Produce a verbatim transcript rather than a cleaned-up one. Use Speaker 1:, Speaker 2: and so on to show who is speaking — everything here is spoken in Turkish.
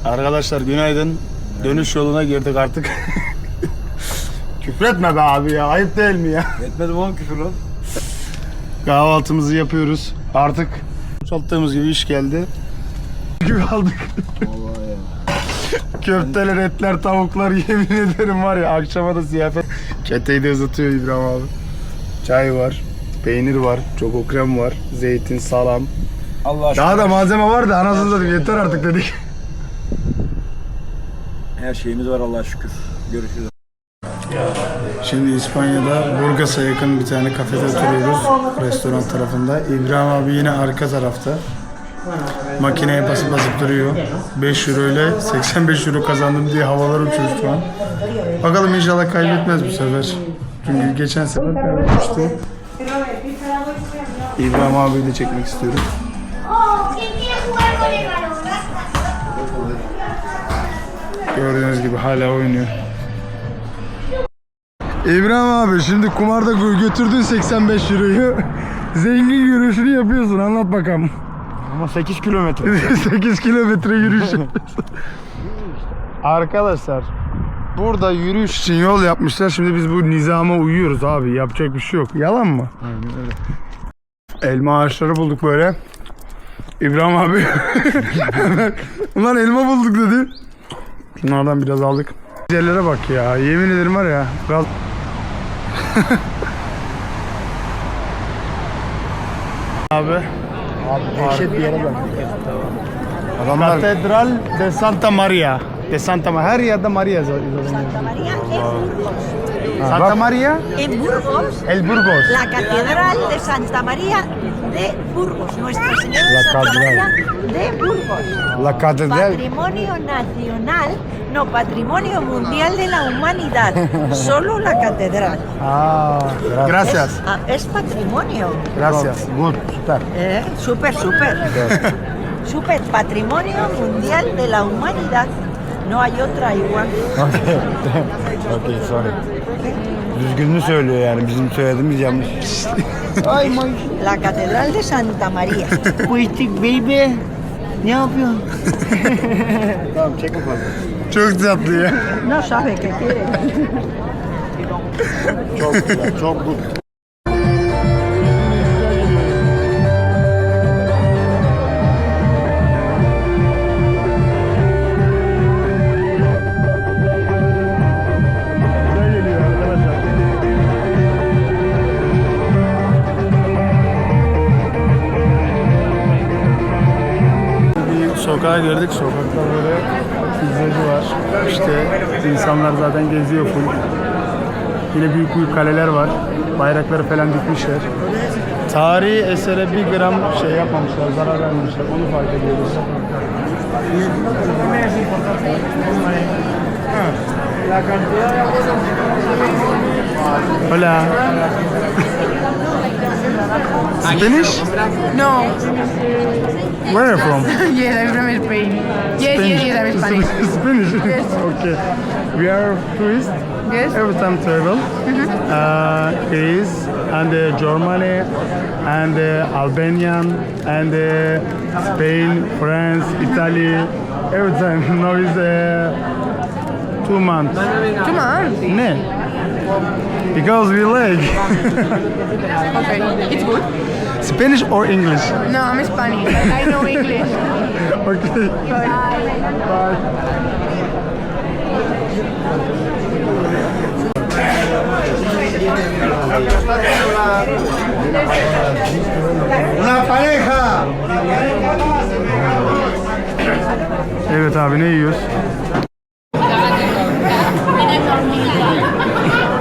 Speaker 1: Arkadaşlar günaydın. Dönüş yoluna girdik artık. Küfretme be abi ya. Ayıp değil mi ya?
Speaker 2: Etmedim oğlum küfür lan.
Speaker 1: Kahvaltımızı yapıyoruz. Artık çalıştığımız gibi iş geldi. Gibi aldık.
Speaker 2: Vallahi ya.
Speaker 1: Köfteler, etler, tavuklar yemin ederim var ya akşama da ziyafet. Keteyi de ısıtıyor İbrahim abi. Çay var, peynir var, çoko krem var, zeytin, salam.
Speaker 2: Allah aşkına.
Speaker 1: Daha da malzeme var da anasını satayım yeter artık dedik.
Speaker 2: Her şeyimiz var Allah'a şükür. Görüşürüz.
Speaker 1: Şimdi İspanya'da Burgas'a yakın bir tane kafede oturuyoruz. Restoran tarafında. İbrahim abi yine arka tarafta. Makineye basıp basıp duruyor. beş euro ile seksen beş euro kazandım diye havalar uçuyor şu an. Bakalım inşallah kaybetmez bu sefer. Çünkü geçen sefer kaybetmişti. İbrahim abiyi de çekmek istiyorum. Gördüğünüz gibi hala oynuyor. İbrahim abi şimdi kumarda götürdün seksen beş euroyu. Zengin yürüyüşünü yapıyorsun, anlat bakalım.
Speaker 2: Ama sekiz kilometre.
Speaker 1: sekiz kilometre yürüyüş yapıyorsun. Arkadaşlar burada yürüyüş için yol yapmışlar. Şimdi biz bu nizama uyuyoruz abi. Yapacak bir şey yok. Yalan mı?
Speaker 2: Aynen öyle.
Speaker 1: Elma ağaçları bulduk böyle. İbrahim abi ulan elma bulduk dedi. Bunlardan biraz aldık. Yerlere bak ya. Yemin ederim var ya. Biraz... abi.
Speaker 2: Abi dehşet bir yere bak. Adamlar
Speaker 1: Catedral de Santa Maria. De Santa Maria. Her yerde Maria yazıyor.
Speaker 3: Santa María en Burgos.
Speaker 1: Santa Maria
Speaker 3: En Burgos,
Speaker 1: El Burgos.
Speaker 3: la Catedral de Santa María de Burgos. Nuestra Señora de
Speaker 1: La
Speaker 3: Santa
Speaker 1: catedral.
Speaker 3: María de Burgos.
Speaker 1: La Catedral.
Speaker 3: Patrimonio nacional, no patrimonio mundial de la humanidad. Solo la catedral.
Speaker 1: Ah, gracias.
Speaker 3: Es, ah, es patrimonio.
Speaker 1: Gracias.
Speaker 2: Good, süper.
Speaker 3: Eh, súper, súper. Súper patrimonio mundial de la humanidad. No hay otra igual.
Speaker 2: Okey, sorry. Düzgününü söylüyor yani, bizim söylediğimiz yanlış. Ay my.
Speaker 3: La Catedral de Santa María.
Speaker 2: Quick baby. Ne yapıyorsun? Tamam, çek bakalım.
Speaker 1: Çok tatlı ya.
Speaker 3: No sabe qué quiere.
Speaker 2: Çok güzel, çok good.
Speaker 1: Sokağa girdik. Sokakta böyle pizzacı var. İşte insanlar zaten geziyor full. Yine büyük büyük kaleler var. Bayrakları falan dikmişler. Tarihi esere bir gram şey yapmamışlar, zarar vermemişler. Onu fark ediyoruz. Hola. Spanish?
Speaker 4: No.
Speaker 1: Where are you from?
Speaker 4: Yes, I'm from Spain. Yes, yes, yes, I'm Spanish.
Speaker 1: Spanish?
Speaker 4: Yes.
Speaker 1: Okay. We are tourists.
Speaker 4: Yes.
Speaker 1: Every time travel. Uh, Greece and uh, Germany and uh, Albanian and uh, Spain, France, Italy. Every time. Now is uh, two months.
Speaker 4: Two months.
Speaker 1: Ne? Because we like.
Speaker 4: Okay, it's good.
Speaker 1: Spanish or English?
Speaker 4: No, I'm Spanish. I know English.
Speaker 1: Okay. Bye.
Speaker 2: Una pareja.
Speaker 1: Evet abi ne yiyoruz?